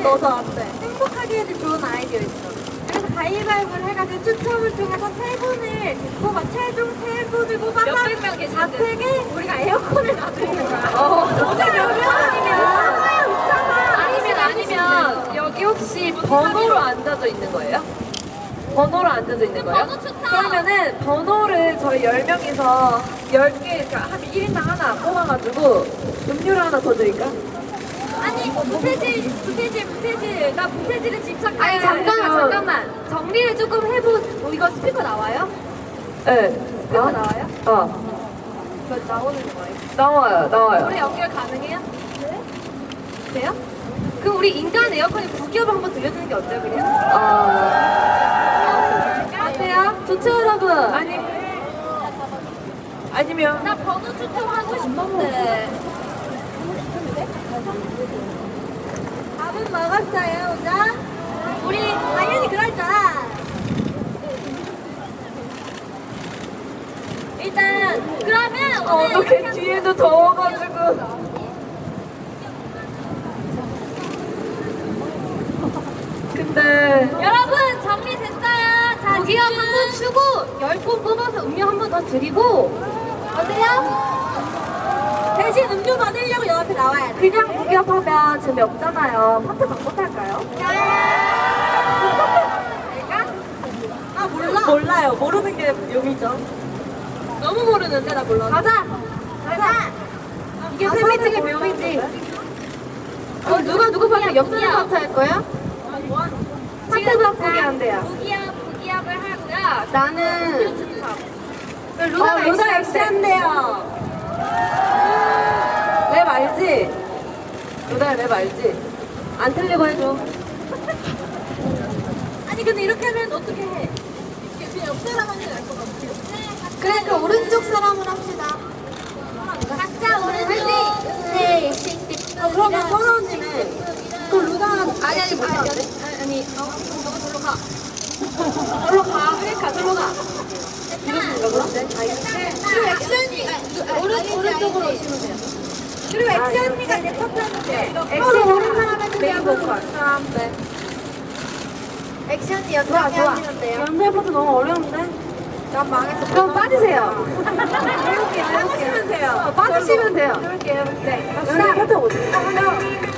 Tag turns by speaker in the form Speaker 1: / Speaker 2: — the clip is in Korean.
Speaker 1: 넣어서 안 돼. 행복하게 해줄 좋은 아이디어 있어. 그래서 가위바위보를 해가지고 추첨을 통해서 세 분을 뽑아 최종 세 분을 뽑아서
Speaker 2: 몇백 명 계시는데.
Speaker 1: 자택에 우리가 에어컨을 놔두는 거야. 진짜 몇
Speaker 2: 아니면 여기 혹시 번호로 앉아져 있는 거예요? 번호로 앉아져 있는 거예요?
Speaker 1: 번호 추천!
Speaker 2: 그러면은 번호를 저희 10명이서 10개, 그러니까 한 1인당 하나 뽑아가지고 음료를 하나 더 드릴까?
Speaker 1: 아니 부채질 나 부채질에 집착해.
Speaker 2: 아니,
Speaker 1: 잠깐만 정리를 조금 이거 스피커 나와요?
Speaker 2: 네.
Speaker 1: 스피커 나와요? 이거 나오는 거예요?
Speaker 2: 나와요.
Speaker 1: 우리 연결 가능해요? 네? 돼요? 그 우리 인간 에어컨이 9기업을 한번 들려주는 게 어때요 그냥? 어때요? 좋죠 여러분?
Speaker 2: 아니면
Speaker 1: 나 번호 추첨하고 싶은데 밥은 먹었어요 오자? 우리 당연히 그럴 줄 알아. 일단 그러면 오늘
Speaker 2: 어떻게 뒤에도 더워가지고. 근데
Speaker 1: 여러분 정리됐어요. 자 기업 한번 주고 10분 뽑아서 음료 한 번 더 드리고 어때요? 대신 음료 받으려고 여 앞에 나와야 돼.
Speaker 2: 그냥 무기업하면 재미없잖아요. 파트 바꿔탈까요?
Speaker 1: 아 몰라.
Speaker 2: 몰라요. 모르는 게 묘미죠.
Speaker 1: 너무 모르는데 나 몰라.
Speaker 2: 가자.
Speaker 1: 이게 팬미팅의 묘미지. 누가 파트 옆에 파트 할 거야?
Speaker 2: 파트 바꾸기 한대요.
Speaker 1: 부기압을 하고요.
Speaker 2: 나는
Speaker 1: 루다가
Speaker 2: 엑스 한대요. 랩 알지? 루다 랩 알지? 안 틀리고 해줘.
Speaker 1: 아니 근데 이렇게 하면 어떻게 해? 그냥 옆 사람 하는 게 나을 것 같아. 그래 그 오른쪽 사람으로 합시다. 각자 오른쪽. 네. 그러면 선아 언니는 그 루다 아니 너가 절로 가. 절로 가. 그러니까 절로 가. 그리고 엑스 언니가 오른쪽으로 오시면 돼요. 그리고 엑스 언니가 내 파트 하면 돼요. 엑스 오른 사람 해주세요.
Speaker 2: 네.
Speaker 1: 액션이 연습 하시면 돼요.
Speaker 2: 연습 파트 너무 어려운데?
Speaker 1: 난 망했어.
Speaker 2: 그럼 빠지세요.
Speaker 1: 해볼게요.
Speaker 2: 빠지시면 돼요.
Speaker 1: 해볼게요.
Speaker 2: 네. 연습 파트 어디?